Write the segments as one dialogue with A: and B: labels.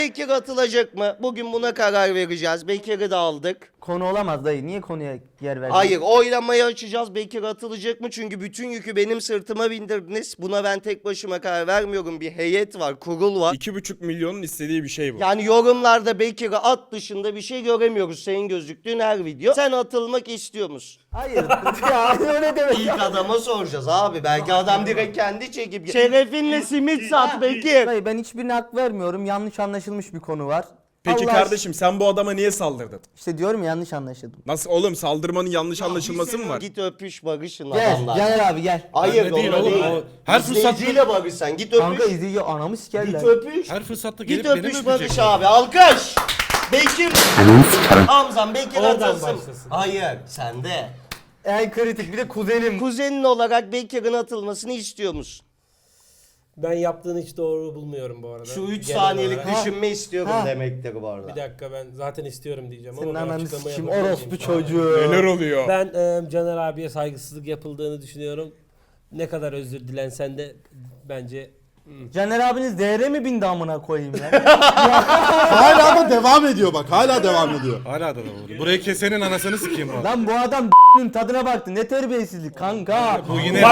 A: Bekir atılacak mı? Bugün buna karar vereceğiz. Bekir'i de aldık.
B: Konu olamaz dayı. Niye konuya yer verdin?
A: Hayır, oylamayı açacağız. Bekir atılacak mı? Çünkü bütün yükü benim sırtıma bindirdiniz. Buna ben tek başıma karar vermiyorum. Bir heyet var, kurul var.
C: 2,5 milyonun istediği bir şey bu.
A: Yani yorumlarda Bekir'i at dışında bir şey göremiyoruz senin gözüktüğün her video. Sen atılmak istiyor musun?
B: Hayır. Ya öyle demek.
A: İlk adama soracağız abi. Belki adam direkt kendi çekip... Şerefinle simit sat Bekir.
B: Dayı ben hiçbirine hak vermiyorum. Yanlış anlaşılmış bir konu var.
C: Peki
B: Allah
C: kardeşim sen bu adama niye saldırdın?
B: İşte diyorum ya, yanlış anlaşıldım.
C: Nasıl oğlum, saldırmanın yanlış anlaşılması mı var?
A: Git öpüş barışın
B: Gel.
A: adamlar.
B: Caner abi gel.
A: Hayır
D: Öyle değil
A: öyle
D: oğlum,
A: değil.
D: o her
A: İzleyiciyle barış sen. Git öpüş.
B: Kanka izliyor, anamı
A: Git
B: sikerler.
A: öpüş.
D: Her fırsatta
A: Git
D: gelip beni
A: öpüş barış
D: öpecek.
A: abi. Alkış. Bekir. Hamzam Bekir
D: Oradan
A: atılsın.
D: başlasın.
A: Hayır sende.
B: En kritik bir de kuzenim.
A: Kuzenin olarak Bekir'in atılmasını istiyor musun?
E: Ben yaptığını hiç doğru bulmuyorum bu arada.
A: Şu 3
E: Genel
A: saniyelik
E: olarak.
A: düşünme istiyorum
B: Ha.
A: demektir bu arada.
E: Bir dakika, ben zaten istiyorum diyeceğim
B: Senin
E: ama ben
B: ananı
E: açıklama
B: sikim
E: yapabilir
B: orospu
E: miyim şu an?
B: çocuğu.
C: Neler oluyor?
E: Ben Caner abiye saygısızlık yapıldığını düşünüyorum. Ne kadar özür dilensen de bence
B: Caner abiniz değere mi bindi amına koyayım ya?
F: Hala da devam ediyor bak. Hala devam ediyor.
D: Hala da oluyor. Burayı kesenin anasını sikeyim bu.
B: Lan bu adam tadına baktı. Ne terbiyesizlik kanka.
D: Bu yine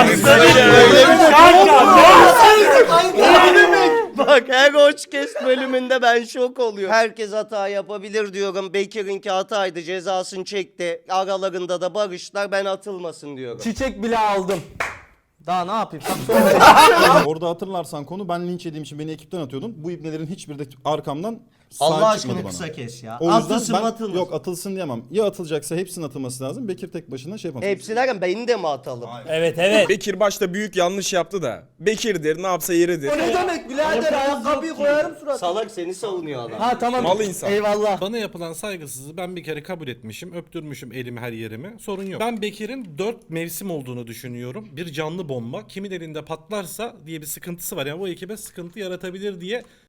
A: Bak her Hoçkes bölümünde ben şok oluyorum. Herkes hata yapabilir diyorum. Bekir'inki hataydı, cezasını çekti. Aralarında da barışlar, ben atılmasın diyorum.
B: Çiçek bile aldım. Daha ne yapayım?
F: Orada hatırlarsan konu, ben linç yediğim için beni ekipten atıyordun. Bu ibnelerin hiçbiri de arkamdan sahip
A: Allah
F: çıkmadı
A: aşkına
F: bana.
A: kısa kes ya.
F: O yüzden
A: Atılsın
F: ben
A: atılmasın.
F: yok atılsın diyemem. Ya atılacaksa hepsinin atılması lazım. Bekir tek başına şey yapamaz.
A: Hepsi derken beni de mi atalım?
E: evet.
C: Bekir başta büyük yanlış yaptı da. Bekir'dir, ne yapsa yeridir.
B: O ne demek birader, ayakkabıyı koyarım suratına.
A: Salak seni savunuyor adam.
B: Ha tamam.
C: Mal insan.
B: Eyvallah.
D: bana yapılan saygısızlığı ben bir kere kabul etmişim. Öptürmüşüm elimi her yerimi. Sorun yok. Ben Bekir'in 4 mevsim olduğunu düşünüyorum. Bir canlı bomba. Kimin elinde patlarsa diye bir sıkıntısı var. Yani bu ekibe sıkıntı yaratabilir diye